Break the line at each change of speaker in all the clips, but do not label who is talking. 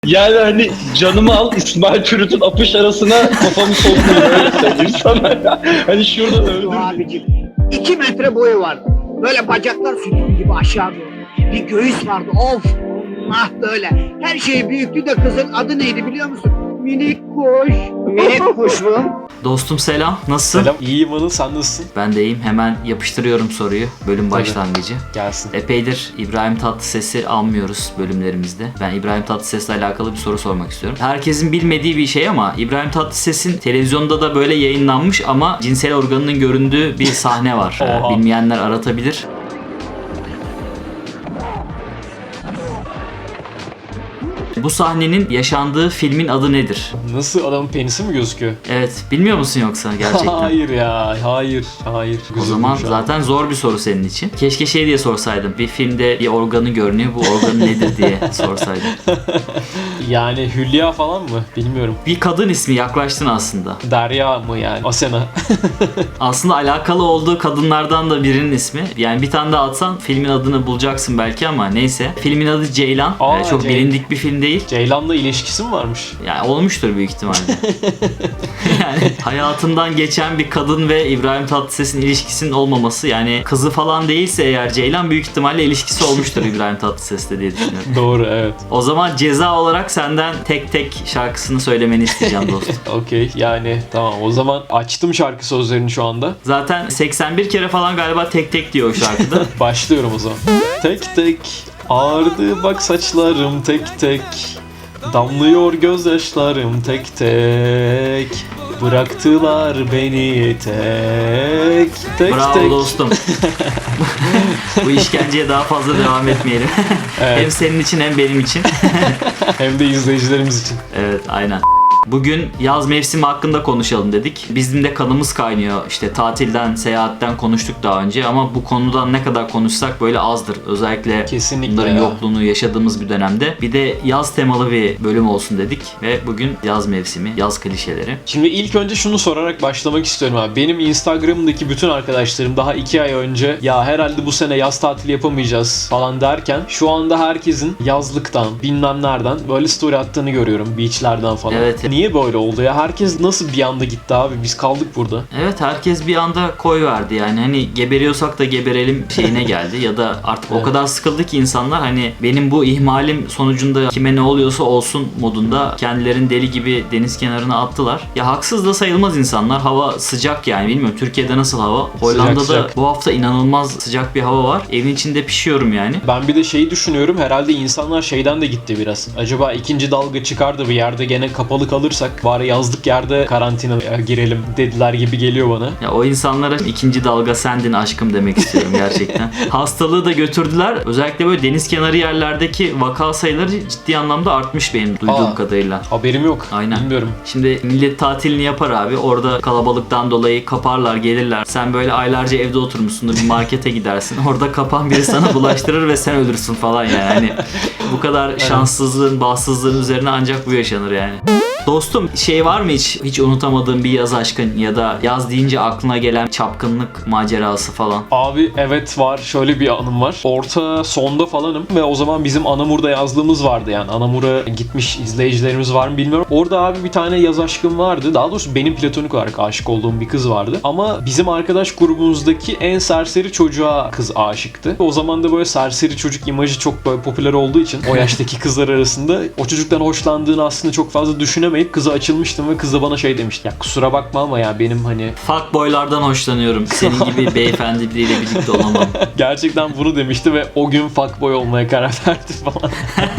Yani hani canımı al İsmail Türüt'ün apış arasına kafamı sokmayın öyle söyleyeyim sana. Hani şurada öldür.
Abicim 2 metre boyu vardı. Böyle bacaklar sütun gibi aşağı doğru. Bir göğüs vardı of. Ah böyle. Her şey büyüktü de kızın adı neydi biliyor musun? Minik kuş. Minik kuş mu?
Dostum selam. Nasılsın?
Selam. İyiyim Anıl, sen nasılsın?
Ben de iyiyim. Hemen yapıştırıyorum soruyu. Bölüm başlangıcı.
Gelsin.
Epeydir İbrahim Tatlıses'i almıyoruz bölümlerimizde. Ben İbrahim Tatlıses'le alakalı bir soru sormak istiyorum. Herkesin bilmediği bir şey ama İbrahim Tatlıses'in televizyonda da böyle yayınlanmış ama cinsel organının göründüğü bir sahne var.
Oha.
Bilmeyenler aratabilir. Bu sahnenin yaşandığı filmin adı nedir?
Nasıl, adamın penisi mi gözüküyor?
Evet, bilmiyor musun yoksa gerçekten?
Hayır ya, hayır.
O zaman zaten zor bir soru senin için. Keşke şey diye sorsaydım. Bir filmde bir organı görünüyor. Bu organ nedir diye sorsaydım.
Yani Hülya falan mı? Bilmiyorum.
Bir kadın ismi, yaklaştın aslında.
Derya mı yani? Asena.
Aslında alakalı olduğu kadınlardan da birinin ismi. Yani bir tane daha atsan filmin adını bulacaksın belki ama neyse. Filmin adı Ceylan.
Aa,
Çok bilindik bir film değil.
Ceylan'la ilişkisi mi varmış?
Yani olmuştur büyük ihtimalle. Yani hayatından geçen bir kadın ve İbrahim Tatlıses'in ilişkisinin olmaması, yani kızı falan değilse eğer Ceylan, büyük ihtimalle ilişkisi olmuştur İbrahim Tatlıses'le diye düşünüyorum.
Doğru, evet.
O zaman ceza olarak senden tek tek şarkısını söylemeni isteyeceğim dostum.
Okey, yani tamam, o zaman açtım şarkı sözlerini şu anda.
Zaten 81 kere falan galiba tek tek diyor o şarkıda.
Başlıyorum o zaman. Tek tek ağardı bak saçlarım, tek tek damlıyor gözyaşlarım, tek tek bıraktılar beni tek
Bravo
tek.
dostum. Bu işkenceye daha fazla devam etmeyelim.
Evet.
Hem senin için hem benim için.
Hem de izleyicilerimiz için.
Evet, aynen. Bugün yaz mevsimi hakkında konuşalım dedik. Bizim de kanımız kaynıyor. İşte tatilden, seyahatten konuştuk daha önce ama bu konudan ne kadar konuşsak böyle azdır. Özellikle
Kesinlikle
bunların
ya.
yokluğunu yaşadığımız bir dönemde. Bir de yaz temalı bir bölüm olsun dedik ve bugün yaz mevsimi, yaz klişeleri.
Şimdi ilk önce şunu sorarak başlamak istiyorum abi. Benim Instagram'daki bütün arkadaşlarım daha 2 ay önce ya herhalde bu sene yaz tatili yapamayacağız falan derken şu anda herkesin yazlıktan, bilmem nereden böyle story attığını görüyorum. Beachlerden falan.
Evet.
Niye böyle oldu ya? Herkes nasıl bir anda gitti abi? Biz kaldık burada.
Evet, herkes bir anda koy verdi yani, hani geberiyorsak da geberelim şeyine geldi ya da artık
Evet.
o kadar sıkıldı ki insanlar, hani benim bu ihmalim sonucunda kime ne oluyorsa olsun modunda kendilerini deli gibi deniz kenarına attılar. Ya haksız da sayılmaz insanlar, hava sıcak yani, bilmiyorum Türkiye'de nasıl hava. Hollanda'da
sıcak.
bu hafta inanılmaz sıcak bir hava var, evin içinde pişiyorum yani.
Ben bir de şeyi düşünüyorum. Herhalde insanlar şeyden de gitti biraz. Acaba ikinci dalga çıkar da bir yerde gene kapalı kalırsak bari yazlık yerde karantinaya girelim dediler gibi geliyor bana.
Ya o insanlara ikinci dalga sendin aşkım demek istiyorum gerçekten. Hastalığı da götürdüler. Özellikle böyle deniz kenarı yerlerdeki vaka sayıları ciddi anlamda artmış benim duyduğum kadarıyla.
Haberim yok.
Aynen.
Bilmiyorum.
Şimdi millet tatilini yapar abi. Orada kalabalıktan dolayı kaparlar, gelirler. Sen böyle aylarca evde oturmuşsundur, bir markete gidersin. Orada kapan biri sana bulaştırır ve sen ölürsün falan yani. Hani bu kadar şanssızlığın, bahtsızlığın üzerine ancak bu yaşanır yani. Dostum, şey var mı hiç unutamadığın bir yaz aşkın ya da yaz deyince aklına gelen çapkınlık macerası falan?
Abi evet, var. Şöyle bir anım var. Orta sonda falanım ve o zaman bizim Anamur'da yazlığımız vardı yani. Anamur'a gitmiş izleyicilerimiz var mı bilmiyorum. Orada abi bir tane yaz aşkım vardı. Daha doğrusu benim platonik olarak aşık olduğum bir kız vardı. Ama bizim arkadaş grubumuzdaki en serseri çocuğa kız aşıktı. O zaman da böyle serseri çocuk imajı çok böyle popüler olduğu için o yaştaki kızlar arasında o çocuktan hoşlandığını aslında çok fazla düşünemeyip kıza açılmıştım ve kız da bana şey demişti. Ya kusura bakma ama ya benim hani
Fuckboylardan hoşlanıyorum. Senin gibi beyefendi biriyle birlikte olamam.
gerçekten bunu demişti ve o gün fuckboy olmaya karar verdi falan.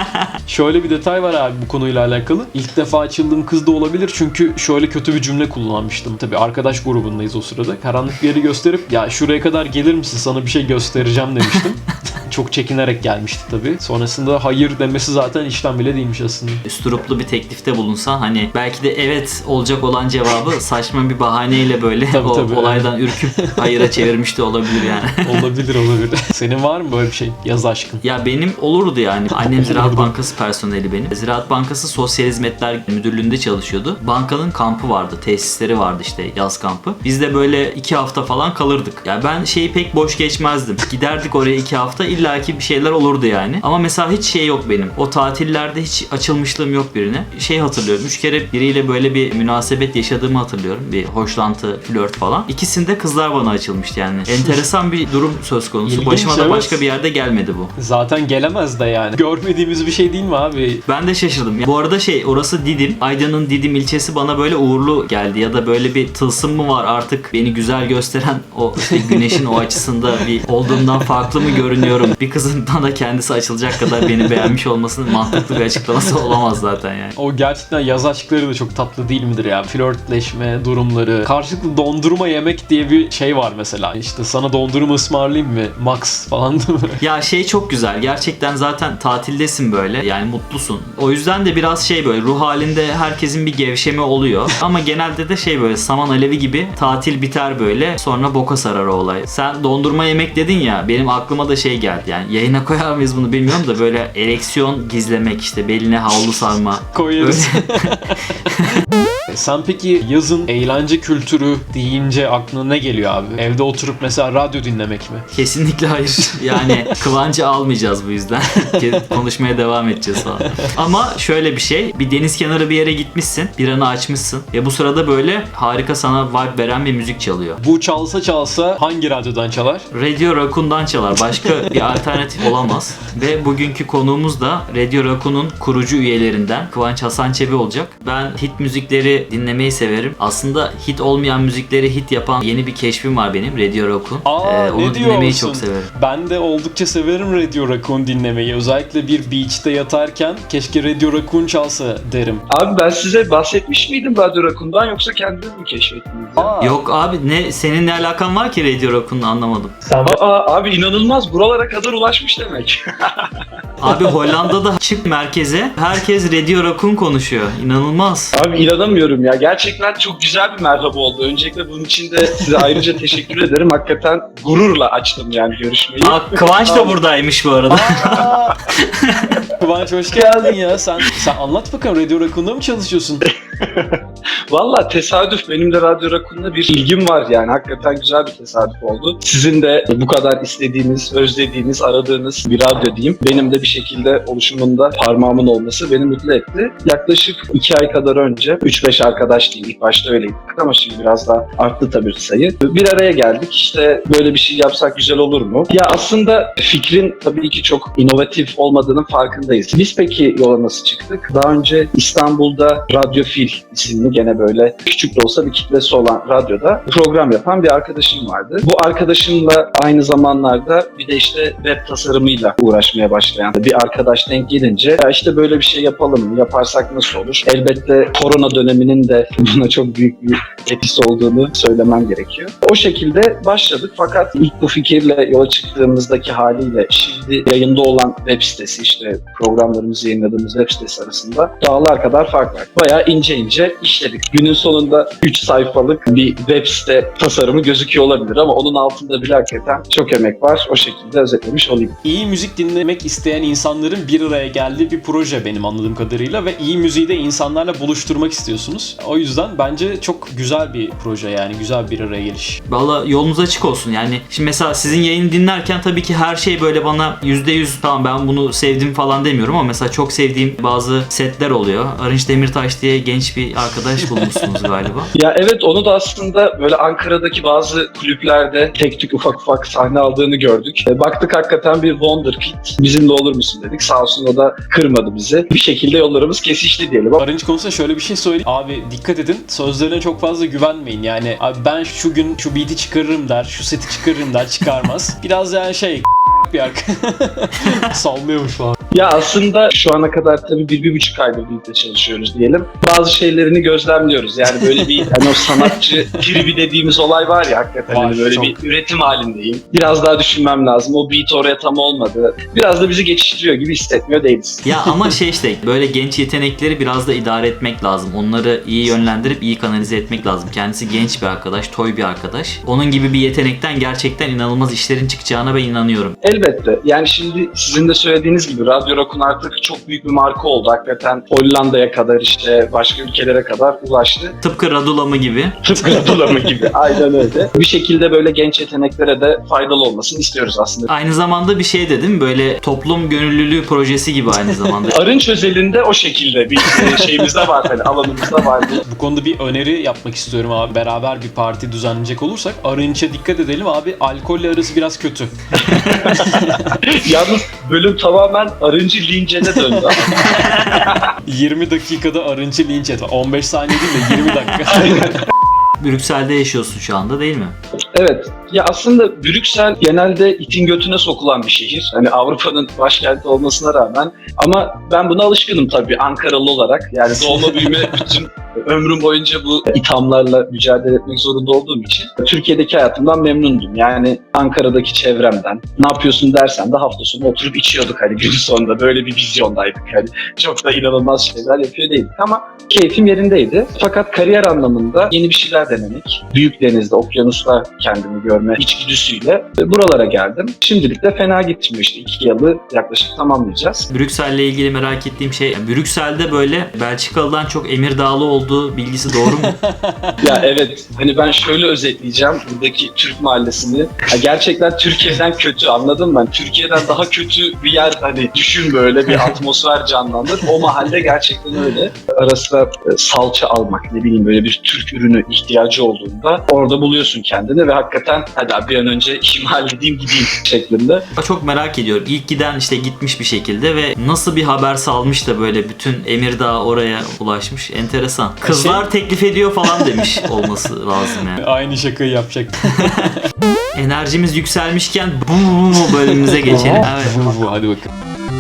Şöyle bir detay var abi bu konuyla alakalı. İlk defa açıldığım kız da olabilir çünkü şöyle kötü bir cümle kullanmıştım. Tabii arkadaş grubundayız o sırada. Karanlık bir yeri gösterip ya şuraya kadar gelir misin, sana bir şey göstereceğim demiştim. Çok çekinerek gelmişti tabii. Sonrasında hayır demesi zaten işten bile değilmiş aslında.
Üstüruplu bir teklifte bulunsan, hani belki de evet olacak olan cevabı saçma bir bahaneyle böyle
Tabii,
o
tabii.
olaydan ürküp hayıra çevirmiş de olabilir yani.
Olabilir. Senin var mı böyle bir şey? Yaz aşkın.
Ya benim olurdu yani. Annem Ziraat
Olurdu.
Bankası personeli benim. Ziraat Bankası Sosyal Hizmetler Müdürlüğü'nde çalışıyordu. Bankanın kampı vardı, tesisleri vardı işte, yaz kampı. Biz de böyle 2 hafta falan kalırdık. Ya ben şeyi pek boş geçmezdim. Giderdik oraya 2 hafta. illaki bir şeyler olurdu yani. Ama mesela hiç şey yok benim. O tatillerde hiç açılmışlığım yok birine. Şey hatırlıyorum. 3 kere biriyle böyle bir münasebet yaşadığımı hatırlıyorum. Bir hoşlantı, flört falan. İkisinde kızlar bana açılmıştı yani. Enteresan bir durum söz konusu.
İlginç,
Başıma da
evet.
başka bir yerde gelmedi bu.
Zaten gelemez de yani. Görmediğimiz bir şey değil mi abi?
Ben de şaşırdım. Bu arada orası Didim. Aydın'ın Didim ilçesi bana böyle uğurlu geldi. Ya da böyle bir tılsım mı var artık beni güzel gösteren o işte güneşin o açısında bir olduğumdan farklı mı görünüyorum? Bir kızın da kendisi açılacak kadar beni beğenmiş olmasının mantıklı bir açıklaması olamaz zaten yani.
O gerçekten yaz aşkları da çok tatlı değil midir ya? Flörtleşme durumları. Karşılıklı dondurma yemek diye bir şey var mesela. İşte sana dondurma ısmarlayayım mı? Max falan değil mi?
Ya çok güzel. Gerçekten zaten tatildesin böyle. Yani mutlusun. O yüzden de biraz böyle ruh halinde herkesin bir gevşeme oluyor. Ama genelde de böyle saman alevi gibi tatil biter böyle. Sonra boka sarar o olay. Sen dondurma yemek dedin ya. Benim aklıma da geldi yani. Yayına koyar mıyız bunu bilmiyorum da böyle ereksiyon gizlemek işte. Beline havlu sarma.
Koyarız. Sen peki yazın eğlence kültürü deyince aklına ne geliyor abi? Evde oturup mesela radyo dinlemek mi?
Kesinlikle hayır. Yani Kıvancı almayacağız bu yüzden. Konuşmaya devam edeceğiz falan. Ama şöyle bir şey. Bir deniz kenarı bir yere gitmişsin. Biranı açmışsın. Ve bu sırada böyle harika sana vibe veren bir müzik çalıyor.
Bu çalsa hangi radyodan çalar?
Radio Raccoon'dan çalar. Başka bir alternatif olamaz. Ve bugünkü konuğumuz da Radio Raccoon'un kurucu üyelerinden Kıvanç Hasan Çebi olacak. Ben hit müzikleri dinlemeyi severim. Aslında hit olmayan müzikleri hit yapan yeni bir keşfim var benim. Radio Raccoon. Onu dinlemeyi çok severim.
Ben de oldukça severim Radio Raccoon dinlemeyi. Özellikle bir beach'te yatarken keşke Radio Raccoon çalsa derim.
Abi ben size bahsetmiş miydim Radyo Rakun'dan yoksa kendiniz mi keşfettiniz ya?
Yok abi senin ne alakan var ki Radio Raccoon'la anlamadım.
Abi inanılmaz buralara kadar ulaşmış demek.
Abi Hollanda'da çık merkeze herkes Radio Raccoon konuşuyor. İnanılmaz.
Abi inanamıyorum ya. Gerçekten çok güzel bir merhaba oldu. Öncelikle bunun için de size ayrıca teşekkür ederim. Hakikaten gururla açtım yani görüşmeyi.
Kıvanç da buradaymış bu arada.
Kıvanç hoş geldin ya. Sen anlat bakalım, Radio Raccoon'da mı çalışıyorsun?
Valla tesadüf. Benim de Radyo Rakun'da bir ilgim var yani. Hakikaten güzel bir tesadüf oldu. Sizin de bu kadar istediğiniz, özlediğiniz, aradığınız bir radyo diyeyim. Benim de bir şekilde oluşumunda parmağımın olması beni mutlu etti. Yaklaşık 2 ay kadar önce 3-5 arkadaş diyeyim. İlk başta öyleydik ama şimdi biraz daha arttı tabii sayı. Bir araya geldik. İşte böyle bir şey yapsak güzel olur mu? Ya aslında fikrin tabii ki çok inovatif olmadığının farkındayız. Biz peki yola nasıl çıktık? Daha önce İstanbul'da Radyo Fil isimli gene böyle küçük de olsa bir kitlesi olan radyoda program yapan bir arkadaşım vardı. Bu arkadaşımla aynı zamanlarda bir de işte web tasarımıyla uğraşmaya başlayan bir arkadaş denk gelince ya işte böyle bir şey yapalım mı? Yaparsak nasıl olur? Elbette korona döneminin de buna çok büyük bir etkisi olduğunu söylemem gerekiyor. O şekilde başladık fakat ilk bu fikirle yola çıktığımızdaki haliyle şimdi yayında olan web sitesi işte programlarımızı yayınladığımız web sitesi arasında dağlar kadar fark var. Bayağı ince işledik. Günün sonunda 3 sayfalık bir web site tasarımı gözüküyor olabilir ama onun altında bile hakikaten çok emek var. O şekilde özetlemiş olayım.
İyi müzik dinlemek isteyen insanların bir araya geldiği bir proje benim anladığım kadarıyla ve iyi müziği de insanlarla buluşturmak istiyorsunuz. O yüzden bence çok güzel bir proje, yani güzel bir araya geliş.
Valla yolunuz açık olsun yani. Şimdi mesela sizin yayını dinlerken tabii ki her şey böyle bana %100 tamam ben bunu sevdim falan demiyorum ama mesela çok sevdiğim bazı setler oluyor. Arınç Demirtaş diye genç bir arkadaş bulmuşsunuz galiba.
Ya evet, onu da aslında böyle Ankara'daki bazı kulüplerde tek tük ufak sahne aldığını gördük. Baktık hakikaten bir wonderkid. Bizimle olur musun dedik. Sağ olsun o da kırmadı bizi. Bir şekilde yollarımız kesişti diyelim.
Arınç konusunda şöyle bir şey söyleyeyim. Abi dikkat edin. Sözlerine çok fazla güvenmeyin. Yani abi ben şu gün şu beat'i çıkarırım der, şu seti çıkarırım der, çıkarmaz. Biraz yani bir sallıyormuş falan.
Ya aslında şu ana kadar tabii 1-1,5 aydır birlikte çalışıyoruz diyelim. Bazı şeylerini gözlemliyoruz. Yani böyle bir hani o sanatçı tribi dediğimiz olay var ya hakikaten.
Var,
hani böyle
çok.
bir üretim halindeyim. Biraz daha düşünmem lazım. O beat oraya tam olmadı. Biraz da bizi geçiştiriyor gibi hissetmiyor değiliz.
Ya ama işte böyle genç yetenekleri biraz da idare etmek lazım. Onları iyi yönlendirip iyi kanalize etmek lazım. Kendisi genç bir arkadaş, toy bir arkadaş. Onun gibi bir yetenekten gerçekten inanılmaz işlerin çıkacağına ben inanıyorum.
Elbette. Yani şimdi sizin de söylediğiniz gibi Radyo Rakun artık çok büyük bir marka oldu. Hakikaten Hollanda'ya kadar işte başka ülkelere kadar ulaştı.
Tıpkı Radulama gibi.
Tıpkı Radulama gibi. Aynen öyle. Bir şekilde böyle genç yeteneklere de faydalı olmasını istiyoruz aslında.
Aynı zamanda bir şey dedim, böyle toplum gönüllülüğü projesi gibi aynı zamanda.
Arınç özelinde o şekilde bir şeyimizde var, hani alanımızda var.
Bu konuda bir öneri yapmak istiyorum abi. Beraber bir parti düzenleyecek olursak Arınç'a dikkat edelim abi. Alkolle arası biraz kötü.
Yalnız bölüm tamamen Arınç'ı lincene döndü.
20 dakikada Arınç'ı linç et. 15 saniye değil de 20 dakika.
Brüksel'de yaşıyorsun şu anda değil mi?
Evet. Ya aslında Brüksel genelde itin götüne sokulan bir şehir. Hani Avrupa'nın başkenti olmasına rağmen. Ama ben buna alışkınım tabii Ankaralı olarak. Yani doğma büyüme bütün ömrüm boyunca bu ithamlarla mücadele etmek zorunda olduğum için Türkiye'deki hayatımdan memnundum. Yani Ankara'daki çevremden. Ne yapıyorsun dersen de hafta sonu oturup içiyorduk hani gün sonunda. Böyle bir vizyondaydık. Yani çok da inanılmaz şeyler yapıyor değildik ama keyfim yerindeydi. Fakat kariyer anlamında yeni bir şeyler denemek, büyük denizde, okyanusta kendimi görme içgüdüsüyle buralara geldim. Şimdilik de fena gitmiyor işte. 2 yılı yaklaşık tamamlayacağız.
Brüksel'le ilgili merak ettiğim şey, Brüksel'de böyle Belçikalı'dan çok Emirdağlı olduğu bilgisi doğru mu?
Ya evet, hani ben şöyle özetleyeceğim buradaki Türk mahallesini. Ya gerçekten Türkiye'den kötü, anladın mı? Türkiye'den daha kötü bir yer, hani düşün, böyle bir atmosfer canlanır. O mahalle gerçekten öyle. Ara sıra salça almak, ne bileyim böyle bir Türk ürünü ihtiyacı olduğunda orada buluyorsun kendini ve hakikaten hadi abi bir an önce işimi halledeyim gideyim şeklinde.
Çok merak ediyorum. İlk giden işte gitmiş bir şekilde ve nasıl bir haber salmış da böyle bütün Emirdağ oraya ulaşmış. Enteresan. Kızlar teklif ediyor falan demiş olması lazım yani.
Aynı şakayı yapacak.
Enerjimiz yükselmişken bu bölümümüze geçelim. Evet.
Bu hadi bakalım.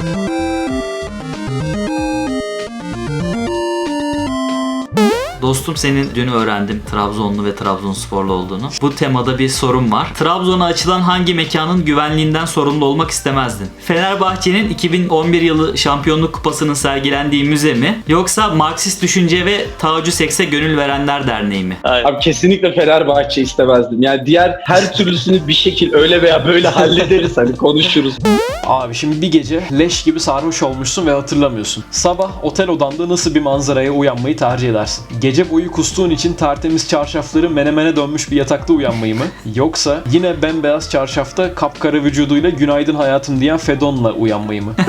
Dostum, senin dün öğrendim Trabzonlu ve Trabzonsporlu olduğunu. Bu temada bir sorum var. Trabzon'a açılan hangi mekanın güvenliğinden sorumlu olmak istemezdin? Fenerbahçe'nin 2011 yılı şampiyonluk kupasının sergilendiği müze mi? Yoksa Marksist Düşünce ve Taacü Seks'e Gönül Verenler Derneği mi?
Abi kesinlikle Fenerbahçe istemezdim. Yani diğer her türlüsünü bir şekil öyle veya böyle hallederiz, hani konuşuruz.
Abi şimdi bir gece leş gibi sarhoş olmuşsun ve hatırlamıyorsun. Sabah otel odanda nasıl bir manzaraya uyanmayı tercih edersin? Gece boyu kustuğun için tertemiz çarşafları menemene dönmüş bir yatakta uyanmayı mı? Yoksa yine bembeyaz çarşafta kapkara vücuduyla günaydın hayatım diyen Fedon'la uyanmayı mı?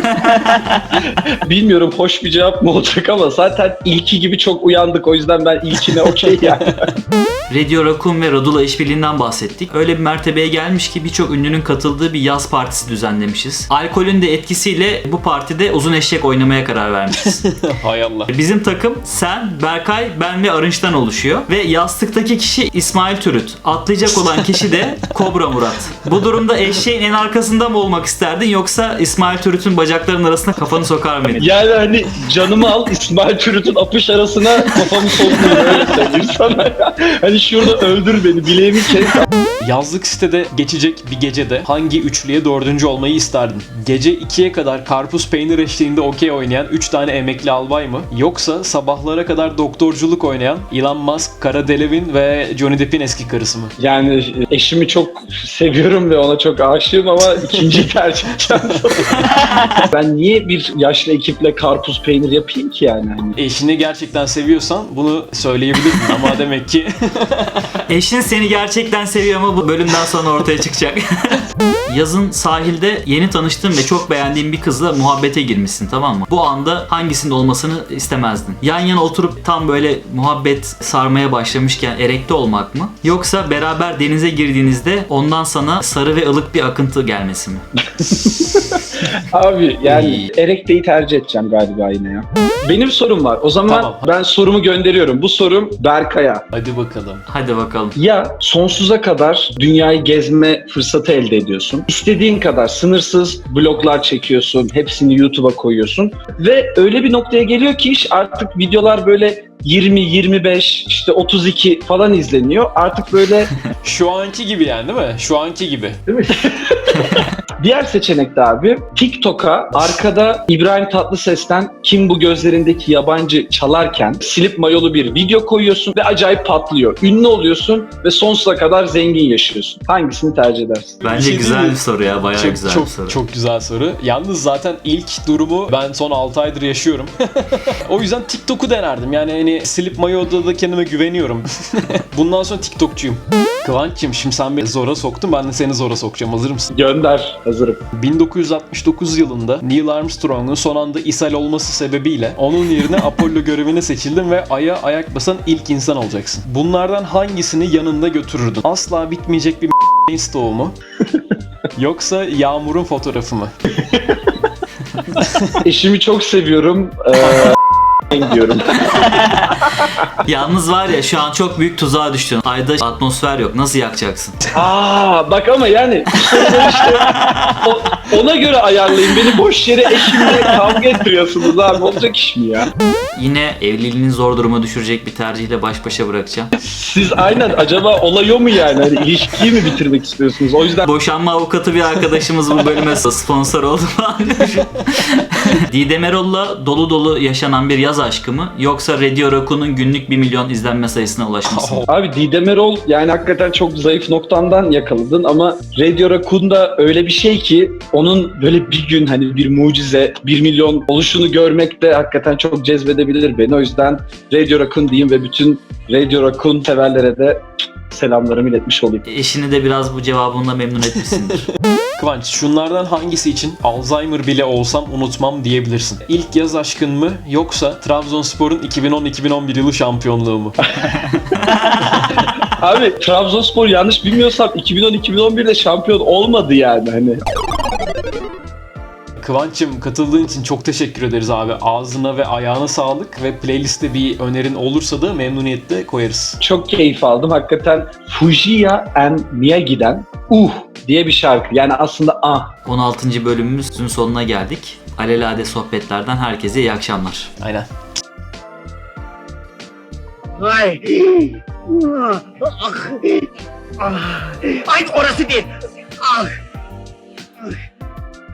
Bilmiyorum hoş bir cevap mı olacak ama zaten ilki gibi çok uyandık, o yüzden ben ilkine okey yani.
Radio Rakun ve Radula işbirliğinden bahsettik. Öyle bir mertebeye gelmiş ki birçok ünlünün katıldığı bir yaz partisi düzenlemişiz. Alkolün de etkisiyle bu partide uzun eşek oynamaya karar vermişiz.
Hay Allah.
Bizim takım sen, Berkay, ben ve Arınç'tan oluşuyor. Ve yastıktaki kişi İsmail Türüt. Atlayacak olan kişi de Kobra Murat. Bu durumda eşeğin en arkasında mı olmak isterdin, yoksa İsmail Türüt'ün bacaklarının arasına kafanı sokar mıydın?
Yani hani canımı al, İsmail Türüt'ün apış arasına kafamı sokmayayım, öyle söyleyeyim sana ya. Hani şurada öldür beni, bileğimi kes.
Yazlık sitede geçecek bir gecede hangi üçlüye dördüncü olmayı isterdin? Gece 2'ye kadar karpuz peynir eşliğinde okey oynayan 3 tane emekli albay mı? Yoksa sabahlara kadar doktorculuk oynayan Elon Musk, Cara Delevingne ve Johnny Depp'in eski karısı mı?
Yani eşimi çok seviyorum ve ona çok aşığım ama ikinciyi tercih edeceğim. Ben niye bir yaşlı ekiple karpuz peynir yapayım ki yani? Hani
Eşini gerçekten seviyorsan bunu söyleyebilirdin ama demek ki
Eşin seni gerçekten seviyor ama bu bölümden sonra ortaya çıkacak. Yazın sahilde yeni tanıştığın ve çok beğendiğin bir kızla muhabbete girmişsin, tamam mı? Bu anda hangisinin olmasını istemezdin? Yan yana oturup tam böyle muhabbet sarmaya başlamışken erekte olmak mı? Yoksa beraber denize girdiğinizde ondan sana sarı ve ılık bir akıntı gelmesi mi?
abi yani erekteyi tercih edeceğim galiba yine ya. Benim sorum var. O zaman
Tamam.
ben sorumu gönderiyorum. Bu sorum Berkay'a.
hadi bakalım.
Hadi bakalım.
Ya sonsuza kadar dünyayı gezme fırsatı elde ediyorsun. İstediğin kadar sınırsız bloglar çekiyorsun. Hepsini YouTube'a koyuyorsun. Ve öyle bir noktaya geliyor ki iş artık videolar böyle 20, 25, işte 32 falan izleniyor. Artık böyle
Şu anki gibi yani değil mi? Şu anki gibi.
değil mi? Diğer seçenek de abi TikTok'a arkada İbrahim Tatlıses'ten Kim Bu Gözlerindeki Yabancı çalarken silip mayolu bir video koyuyorsun ve acayip patlıyor. Ünlü oluyorsun ve sonsuza kadar zengin yaşıyorsun. Hangisini tercih edersin?
Bence
şey
güzel
değil.
bir soru ya. Bayağı güzel bir soru.
Çok güzel soru. Yalnız zaten ilk durumu ben son 6 aydır yaşıyorum. O yüzden TikTok'u denerdim. Yani hani silip mayoda da kendime güveniyorum. Bundan sonra TikTokçuyum. Kıvanç'cığım şimdi sen beni zora soktun, ben de seni zora sokacağım. Hazır mısın?
Gönder. Hazırım.
1969 yılında Neil Armstrong'un son anda ishal olması sebebiyle onun yerine Apollo görevine seçildin ve Ay'a ayak basan ilk insan olacaksın. Bunlardan hangisini yanında götürürdün? Asla bitmeyecek bir stoğu mu? Yoksa Yağmur'un fotoğrafı mı?
Eşimi çok seviyorum. Diyorum.
Yalnız var ya şu an çok büyük tuzağa düştün. Ayda atmosfer yok. Nasıl yakacaksın?
Bak ama yani soruları işte ona göre ayarlayın. Beni boş yere eşimle kavga ettiriyorsunuz abi. Olacak iş mi ya?
Yine evliliğini zor duruma düşürecek bir tercihle baş başa bırakacağım.
Siz aynen acaba olay o mu yani? Hani ilişkiyi mi bitirmek istiyorsunuz? O yüzden
Boşanma avukatı bir arkadaşımız bu bölüme sponsor oldu falan. Didem Erol'la dolu dolu yaşanan bir yaz aşkı mı? Yoksa Radio Raccoon'un günlük 1 milyon izlenme sayısına ulaşması mı?
abi Didem Erol yani hakikaten çok zayıf noktandan yakaladın ama Radio Raccoon da öyle bir şey ki onun böyle bir gün hani bir mucize 1 milyon oluşunu görmek de hakikaten çok cezbedebilir beni. O yüzden Radio Raccoon diyeyim ve bütün Radio Raccoon severlere de selamlarımı iletmiş olayım.
Eşini de biraz bu cevabınla memnun etmişsindir.
Kıvanç, şunlardan hangisi için Alzheimer bile olsam unutmam diyebilirsin? İlk yaz aşkın mı yoksa Trabzonspor'un 2010-2011 yılı şampiyonluğu mu?
Abi Trabzonspor yanlış bilmiyorsam 2010-2011'de şampiyon olmadı yani hani.
Kıvanç'cığım katıldığın için çok teşekkür ederiz abi. Ağzına ve ayağına sağlık ve playliste bir önerin olursa da memnuniyetle koyarız.
Çok keyif aldım. Hakikaten Fujiya and Miyagi'den diye bir şarkı. Yani aslında
16. bölümümüzün sonuna geldik. Alelade sohbetlerden herkese iyi akşamlar.
Aynen.
Ay. Ay orası değil. Ah.